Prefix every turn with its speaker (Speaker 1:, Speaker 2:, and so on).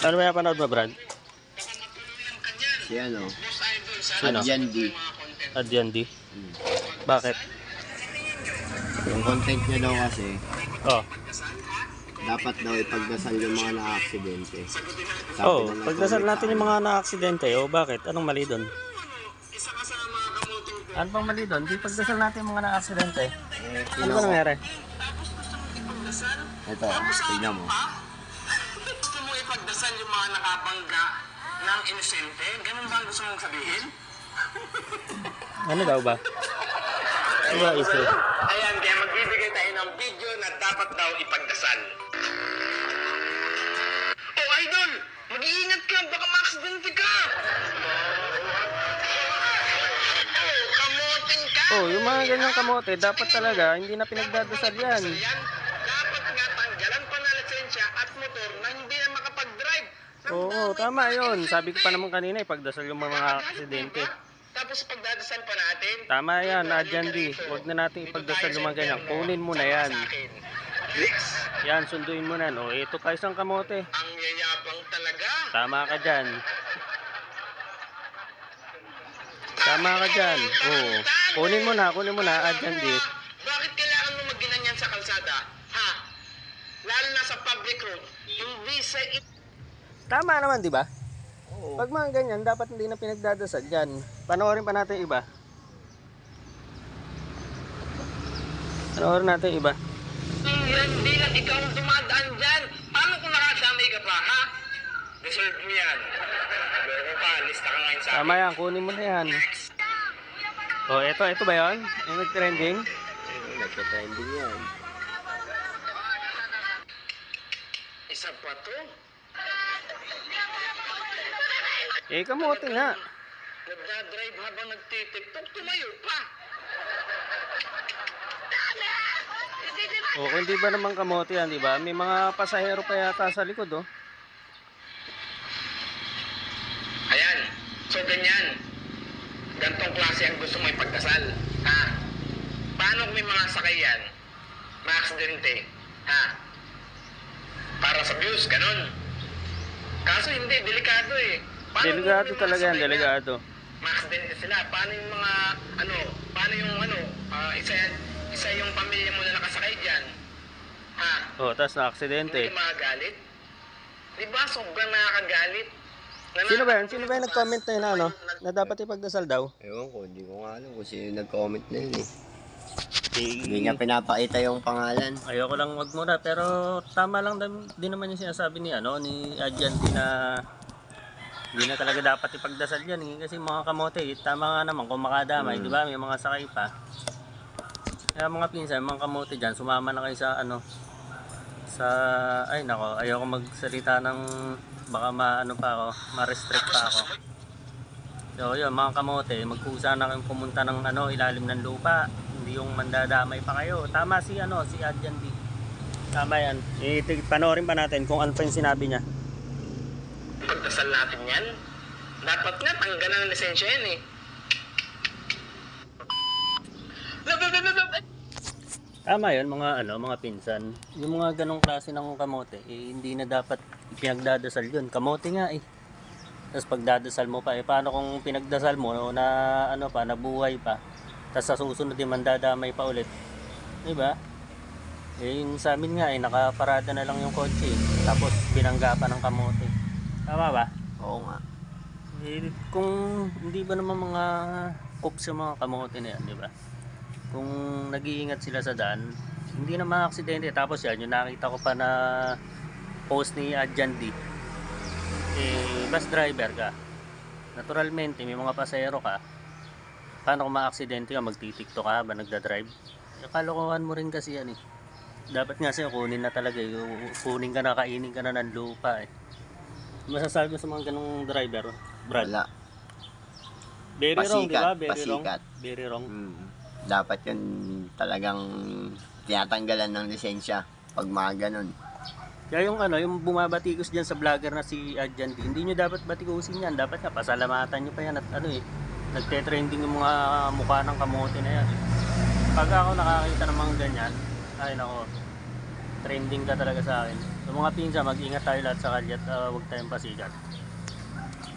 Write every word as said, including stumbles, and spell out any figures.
Speaker 1: Ano ba yung panood mo, Brad?
Speaker 2: Si ano?
Speaker 1: Sino?
Speaker 2: Adjan D.
Speaker 1: Adjan D.
Speaker 2: Hmm.
Speaker 1: Bakit?
Speaker 2: Yung content niya daw kasi,
Speaker 1: Oh.
Speaker 2: dapat daw ipagdasal yung mga na-aksidente. Sabi
Speaker 1: Oh,
Speaker 2: na ng
Speaker 1: pagdasal
Speaker 2: comment
Speaker 1: natin yung
Speaker 2: sa
Speaker 1: mga na-aksidente. Oh, bakit? Anong mali doon? Ano pang mali doon? Di pagdasal natin yung mga na-aksidente.
Speaker 2: Eh,
Speaker 1: Ano ba nangyari?
Speaker 2: Ito, tignan mo.
Speaker 3: Gusto mo ipagdasal yung mga nakabangga ng inosente? Ganun ba ang gusto mong sabihin?
Speaker 1: Ano daw ba? Ano ba issue?
Speaker 3: Ayan, kaya magbibigay tayo ng video na dapat daw ipagdasal. Oh, idol! Mag-iingat ka! Baka ma-aksidente ka! Oh, kamoting ka!
Speaker 1: Oh, yung mga ganyang kamote, dapat talaga, hindi na pinagdadasal yan.
Speaker 3: Yan, dapat nga tanggalan pa na lisensya at motor na hindi na makapag-drive.
Speaker 1: Oo, tama yun. Sabi ko pa naman kanina, ipagdasal yung mga aksidente.
Speaker 3: Tapos pagdadasal pa natin.
Speaker 1: Tama yan, Adjan D. Huwag na natin ipagdasal yung mga ganyan. Kunin mo na yan. Yan, sunduin mo na. O, ito pa isang kamote.
Speaker 3: Ang yayabang talaga.
Speaker 1: Tama ka dyan. Tama ka dyan. Oo. Kunin mo na, kunin mo na, Adjan D.
Speaker 3: Bakit kailangan mo magginanyan sa kalsada? Ha? Lalo na sa public road. Hindi sa...
Speaker 1: Tama naman, di ba?
Speaker 2: Oo.
Speaker 1: Pag mga ganyan, dapat hindi na pinagdadasal dyan. Panoorin pa natin iba. Panoorin natin iba.
Speaker 3: Hindi na ikaw ang dumadaan dyan. Paano kung nakadamay ka pa, ha? Deserve mo yan. Loko pa, lista ka ngayon sa akin.
Speaker 1: Tama yan, kunin mo na yan. O, eto, eto ba yun? Yung nag-trending?
Speaker 2: Ayun, nagka-trending yan.
Speaker 3: Isa pa to.
Speaker 1: Eh, kamote nga.
Speaker 3: Nagdadrive habang nagtitiktok, tumayo pa.
Speaker 1: O, kung di ba naman kamote yan, di ba? May mga pasahero pa yata sa likod, oh.
Speaker 3: Ayan. So, ganyan. Gantong klase ang gusto mo ipagdasal. Ha? Paano kung may mga sakay yan? Ma-aksidente. Ha? Para sa views, ganun. Kaso hindi, delikado eh. Paano kung
Speaker 1: Delikado
Speaker 3: may mga
Speaker 1: talaga yan,
Speaker 3: sakay
Speaker 1: delikado.
Speaker 3: na Ma-aksidente sila. Paano yung mga, ano, paano yung, ano, ah, isa, isa yung pamilya mo na nakasakay dyan? Ha?
Speaker 1: O, tapos na-aksidente.
Speaker 3: Hindi ka makagalit? Di ba, sobrang nakakagalit? Na
Speaker 1: Sino ba yun? Sino ba yung nag-comment na yun, ano? Na dapat ipagdasal daw?
Speaker 2: Ewan ko, hindi ko nga alam kung sino nag-comment na yun eh. Hindi
Speaker 1: Eh,
Speaker 2: niya pinapakita yung pangalan.
Speaker 1: ayoko lang wag muna, pero tama lang din, din naman yung sinasabi ni, ano, ni Adjan D na hindi na talaga dapat ipagdasal yan. Eh. Kasi mga kamote, eh, tama nga naman kung makadamay,
Speaker 2: Mm.
Speaker 1: di ba? May mga sakay pa. Kaya mga pinsan, mga kamote dyan, sumama na kayo sa, ano, sa, ay nako, ayoko magsalita ng, baka ma-ano pa ako, ma-restrict pa ako. So yun, mga kamote, magkusa na kayong pumunta ng, ano, ilalim ng lupa. Hindi yung mandadamay pa kayo. Tama si, ano, si Adjan D. Tama yan. Eh, panoorin pa natin kung ano pa yung sinabi niya.
Speaker 3: Pagdasal natin yan. Dapat nga, tanggalan ng lisensya yan eh.
Speaker 1: Tama yun, mga ano, mga pinsan. Yung mga ganong klase ng kamote, eh, hindi na dapat pinagdadasal yun. Kamote nga eh. Tapos pagdadasal mo pa, eh, paano kung pinagdasal mo na ano pa, nabuhay pa, tapos sa susunod din mandadamay pa ulit. Diba? Eh, yung sa amin nga eh, nakaparada na lang yung kotse eh. Tapos binangga pa ng kamote. Tama ba?
Speaker 2: Oo nga.
Speaker 1: Eh, kung hindi ba naman mga coops yung mga kamote na yan, di ba? Kung nag-iingat sila sa daan, hindi na mga aksidente. Tapos yan, yung nakita ko pa na post ni Adjan D. Eh, bus driver ka. Naturalmente, may mga pasahero ka. Paano kung ma-aksidente ka, magtitiktok ka ba, nagdadrive? Eh, kalokohan mo rin kasi yan eh. Dapat nga sa'yo, kunin na talaga eh. Kunin ka na, kainin ka na ng lupa eh. Masasabi mo sa mga ganong driver, Brad?
Speaker 2: Wala.
Speaker 1: Very wrong, di ba?
Speaker 2: Pasikat,
Speaker 1: Very wrong.
Speaker 2: pasikat.
Speaker 1: Very wrong.
Speaker 2: Hmm. Dapat yun talagang tinatanggalan ng lisensya pag mga ganun.
Speaker 1: Kaya yung ano, yung bumabatikos diyan sa vlogger na si Adjan D, hindi nyo dapat batikusin yan. Dapat nga, pasalamatan nyo pa yan at ano eh, nagte-trending yung mga mukha ng kamote na yan. Pag ako nakakita ng mga ganyan, ay nako, trending ka talaga sa akin. So mga pinsa, mag-ingat tayo lahat sa kalye at uh, huwag tayong pasikat.